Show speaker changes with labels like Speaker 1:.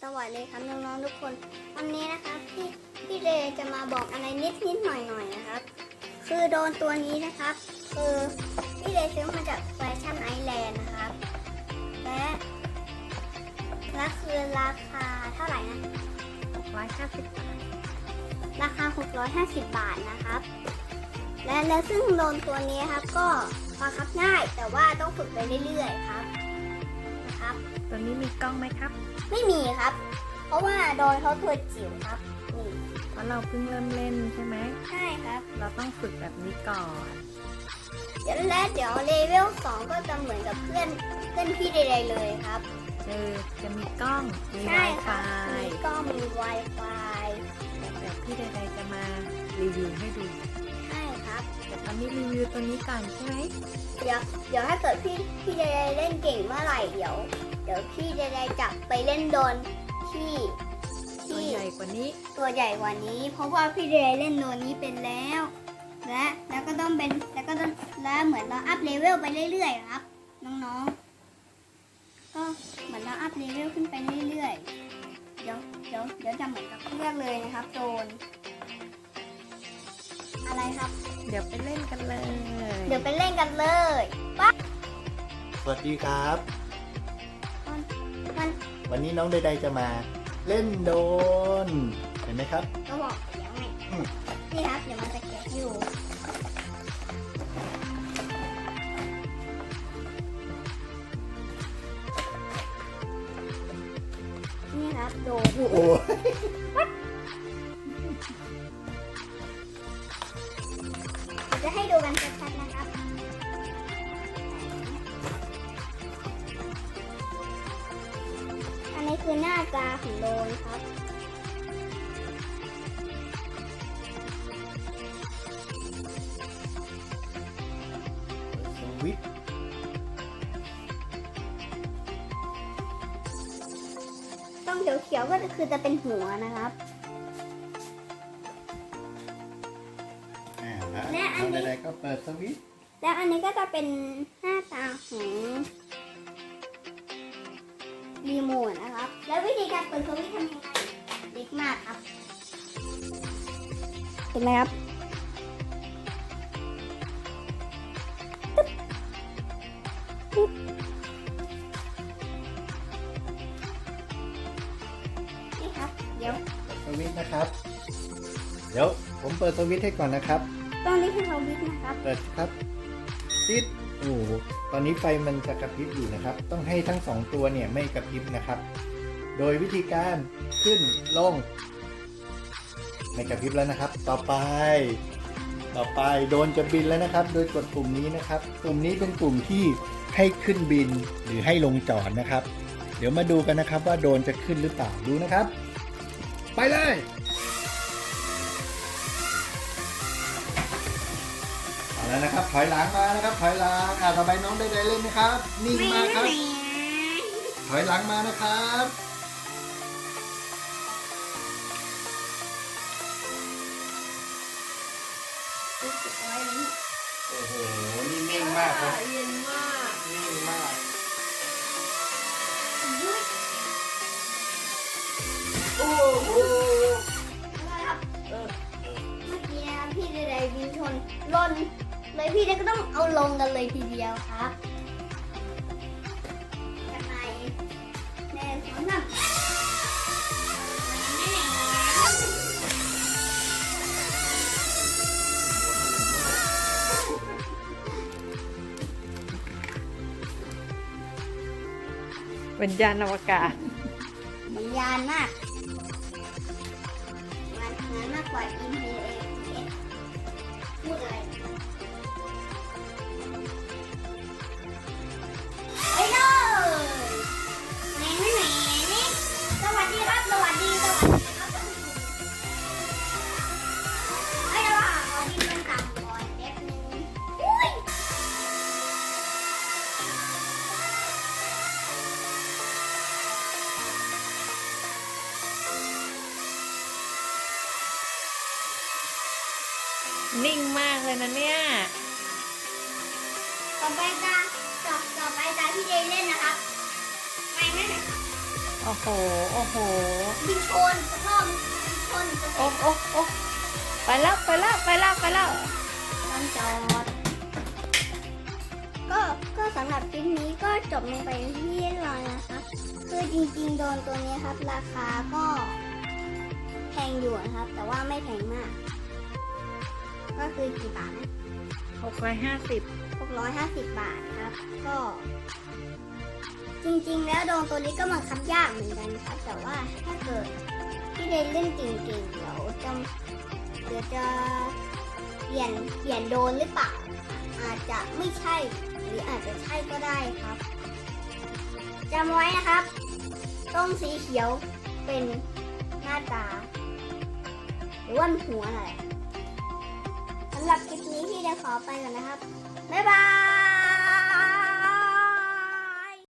Speaker 1: วัสดีครับน้องๆทุกคนวันนี้นะครับพี่เดย์จะมาบอกอะไรนิดหน่อยนะครับคือโดรนตัวนี้นะครับคือพี่เดย์ซื้อมาจากแฟชั่นไอแลนด์นะครับและคือราคาเท่าไหร่นะ650 บาทราคา650 บาทนะครับและซึ่งโดรนตัวนี้ครับก็บังคับง่ายแต่ว่าต้องฝึกไปเรื่อยๆครับ
Speaker 2: ตัวนี้มีกล้องไหมครับ
Speaker 1: ไม่มีครับเพราะว่าโดนเขาตัวจิ๋วครับนี่
Speaker 2: เพราะเราเพิ่งเริ่มเล่นใช่ไหม
Speaker 1: ใช่ครับ
Speaker 2: เราต้องฝึกแบบนี้ก่อน
Speaker 1: เดี๋ยวเลเวล 2ก็จะเหมือนกับเพื่อนพี่ใดๆเลยครับ
Speaker 2: จะมีกล้องมี Wi-Fi
Speaker 1: มีกล้องมี Wi-Fi
Speaker 2: แต่พี่ใดๆจะมารีวิวให้ดู
Speaker 1: ใช่ครับ
Speaker 2: แต่ตอนนี้รีวิวตัวนี้ก่อนใช่ไหม
Speaker 1: เดี๋ยวถ้าเกิดพี่ใดๆเล่นเก่งเมื่อไหร่เดี๋ยวพี่ใดๆจับไปเล่นโดนที่
Speaker 2: ตัวใหญ่กว่านี้
Speaker 1: เพราะว่าพี่เดย์เล่นโดนนี้เป็นแล้วแล้วก็ต้องแล้วเหมือนเราอัพเลเวลไปเรื่อยๆครับน้องๆก็เหมือนเราอัพเลเวลขึ้นไปเรื่อยๆเดี๋ยวจะเหมือนกับเพื่อนเลยนะครับโดนอะไรครับ
Speaker 2: เดี๋ยวไปเล่นกันเลย
Speaker 1: ปั๊บ
Speaker 3: สวัสดีครับวันนี้น้องใดๆจะมาเล่นโดรนเห็นไหมครับ
Speaker 1: ก็บอกเดี๋ยวไงนี่ครับเดี๋ยวมันจะเก็บอยู่นี่ครับโดน
Speaker 3: โอ้
Speaker 1: จะให้ดูกันชัดๆนะครับอันนี้คือหน้าตาของโดรนครับ
Speaker 3: สวิตช์
Speaker 1: ต้องเขียวๆก็คือจะเป็นหัวนะครับ
Speaker 3: และอันนี้ก็เปิดสวิตช์
Speaker 1: และอันนี้ก็จะเป็นหน้าตาของรีโมทนะครับแล้ววิธีการเปิดสวิตช์ทำยังไงเล็กมากครับเห็นไหมครับนี่ครับเดี๋ยว
Speaker 3: สวิตช์นะครับเดี๋ยวผมเปิดสวิตช์ให้ก่อนนะครับ
Speaker 1: ตรงนี้คือสวิตช์นะครับ
Speaker 3: เปิดครับติดโอ้ตอนนี้ไฟมันจะกระพริบอยู่นะครับต้องให้ทั้ง2ตัวเนี่ยไม่กระพริบนะครับโดยวิธีการขึ้นลงไม่กระพริบแล้วนะครับต่อไปโดรนจะบินแล้วนะครับโดยกดปุ่มนี้นะครับปุ่มนี้เป็นปุ่มที่ให้ขึ้นบินหรือให้ลงจอดนะครับเดี๋ยวมาดูกันนะครับว่าโดรนจะขึ้นหรือเปล่าดูนะครับไปเลยเอาแล้วนะครับถอยหลังมานะครับถอยหลังต่อไปน้องได้เล่นไหมครับนิ่งมากครับถอยหลังมานะครับโอ้โหนี่นิ่งมากครับ
Speaker 2: เย็นมาก
Speaker 3: นิ่งมากโอ้โห
Speaker 1: เมื่อกี้พี่ใดๆบินชนล่นเลยพี่ใดก็ต้องเอาลงกันเลยทีเดียวครับกันไหนแน่สองสาม
Speaker 2: เป็นยานอวกาศ
Speaker 1: มันยานมากงานมากกว่าอินเดียพูดอะไรไปเลยแหน่สวัสดีครับไอ้ระหว่างขอดินมันต่ำก่อนแป๊บนึงอุ้ย
Speaker 2: นิ่งมากเลยนะเนี่ย
Speaker 1: ต่อไปตาพี่เดย์เล่นนะครับไปนั่นแหละ
Speaker 3: ไป
Speaker 2: โอ้โห โอ้โห
Speaker 1: บินชนสักรอบชนจะ
Speaker 2: โอ้โอ้โอ้ไปแล้วไปแล้วไปแล้วไปแล้ว
Speaker 1: ต้องจอดก็สำหรับคลิปนี้ก็จบลงไปที่เรียบร้อยนะคะคือจริงๆโดนตัวนี้ครับราคาก็แพงอยู่นะครับ แต่ว่าไม่แพงมาก ก็คือกี่บาทนะ
Speaker 2: 650
Speaker 1: 650 บาทครับ ก็จริงๆแล้วโดนตัวนี้ก็บังคับยากเหมือนกันครับ แต่ว่าถ้าเกิดพี่เดนเล่นเก่งๆเดี๋ยวจะเปลี่ยนโดนหรือเปล่า อาจจะไม่ใช่หรืออาจจะใช่ก็ได้ครับจำไว้นะครับต้มสีเขียวเป็นหน้าตา หรือว่าหัวอะไรสำหรับคลิปนี้พี่เดนขอไปก่อนนะครับบ๊ายบาย